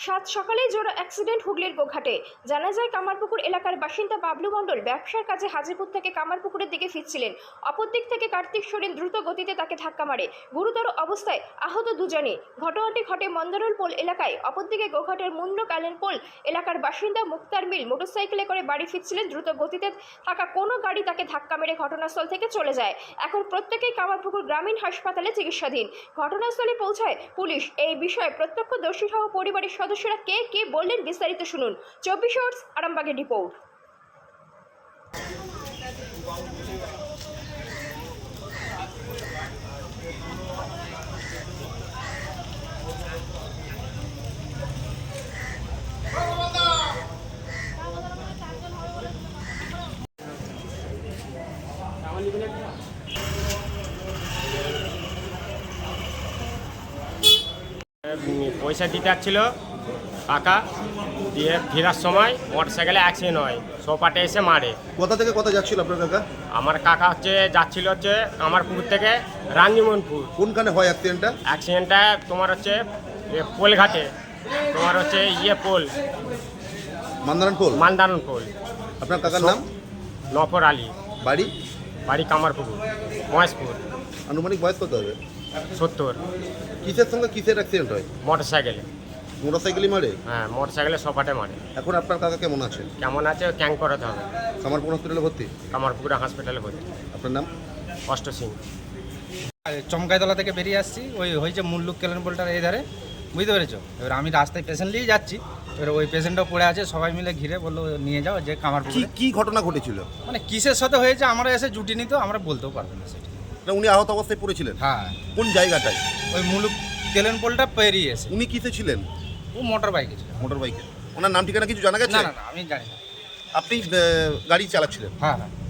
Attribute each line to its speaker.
Speaker 1: সাত সকালেই জোর অ্যাক্সিডেন্ট হুগলির গোঘাটে। জানা যায় কামারপুকুর এলাকার বাসিন্দা বাবলু মণ্ডল ব্যবসার কাজে হাজিপুর থেকে কামারপুকুরের দিকে ফিরছিলেন। অপর দিক থেকে কার্তিক সোরেন দ্রুত গতিতে তাকে ধাক্কা মারে। গুরুতর অবস্থায় আহত দুজনে। ঘটনাটি ঘটে মন্দারুল পোল এলাকায়। অপরদিকে গোঘাটের মুন্ড কালেন পোল এলাকার বাসিন্দা মুক্তার মিল মোটরসাইকেলে করে বাড়ি ফিরছিলেন। দ্রুত গতিতে থাকা কোনো গাড়ি তাকে ধাক্কা মেরে ঘটনাস্থল থেকে চলে যায়। এখন প্রত্যেকেই কামারপুকুর গ্রামীণ হাসপাতালে চিকিৎসাধীন। ঘটনাস্থলে পৌঁছায় পুলিশ। এই বিষয়ে প্রত্যক্ষদর্শী সহ পরিবারের সদস্যরা কে বললেন বিস্তারিত শুনুন। 24 আওয়ার্স আরামবাগের রিপোর্ট।
Speaker 2: পয়সা দিতে আসছিল কাকা, দিয়ে ফেরার সময় মোটরসাইকেলে অ্যাক্সিডেন্ট হয়, সোপাটে এসে মারে।
Speaker 3: কোথা থেকে কোথা যাচ্ছিল আপনার কাকা?
Speaker 2: আমার কাকা যাচ্ছিল কামারপুকুর থেকে রানীমোহনপুর।
Speaker 3: কোনখানে হয় অ্যাক্সিডেন্টটা?
Speaker 2: অ্যাক্সিডেন্টটা তোমার পোলঘাটে, তোমার পোল
Speaker 3: মান্দারান পোল।
Speaker 2: মান্দারন পোল।
Speaker 3: আপনার কাকার নাম?
Speaker 2: নফর আলী।
Speaker 3: বাড়ি
Speaker 2: কামারপুকুর, মহেশপুর।
Speaker 3: আনুমানিক বয়স কত হবে?
Speaker 2: 70।
Speaker 3: কিসের সঙ্গে কিসের অ্যাক্সিডেন্ট হয়?
Speaker 2: মোটরসাইকেলে।
Speaker 3: মোটরসাইকেলই মারে?
Speaker 2: হ্যাঁ, মোটরসাইকেলে সোপাটে মারে।
Speaker 3: এখন আপনার কাকা কেমন আছে?
Speaker 2: কেমন আছে ক্যাং করাতে হবে।
Speaker 3: কামারপুর হসপিটালে ভর্তি?
Speaker 2: কামারপুকুর হসপিটালে ভর্তি।
Speaker 3: আপনার নাম?
Speaker 2: অষ্ট সিং।
Speaker 4: চমকাইতলা থেকে বেরিয়ে আসছি, ওই হয়েছে মুল্লুক কেলেন পোলটার এই ধারে, বুঝতে পেরেছো? এবার আমি রাস্তায় পেশেন্ট নিয়ে যাচ্ছি, এবার ওই পেশেন্টটাও পড়ে আছে, সবাই মিলে ঘিরে বললো নিয়ে যাও যে কামারপুর।
Speaker 3: কি ঘটনা ঘটেছিল?
Speaker 4: মানে কিসের সাথে হয়েছে আমরা এসে জুটিনি, তো আমরা বলতেও পারবো না সেটা।
Speaker 3: না, উনি আহত অবস্থায় পড়েছিলেন?
Speaker 4: হ্যাঁ।
Speaker 3: কোন জায়গাটায়?
Speaker 4: ওই মুল্লুক কেলেন পোলটা পেরিয়ে এসে।
Speaker 3: উনি কিসে ছিলেন?
Speaker 4: ও মোটর বাইকে ছিল।
Speaker 3: মোটর বাইকে। ওনার নাম ঠিকানা কিছু জানা গেছে?
Speaker 4: না, আমি জানি না।
Speaker 3: আপনি গাড়ি চালাচ্ছিলেন?
Speaker 4: হ্যাঁ।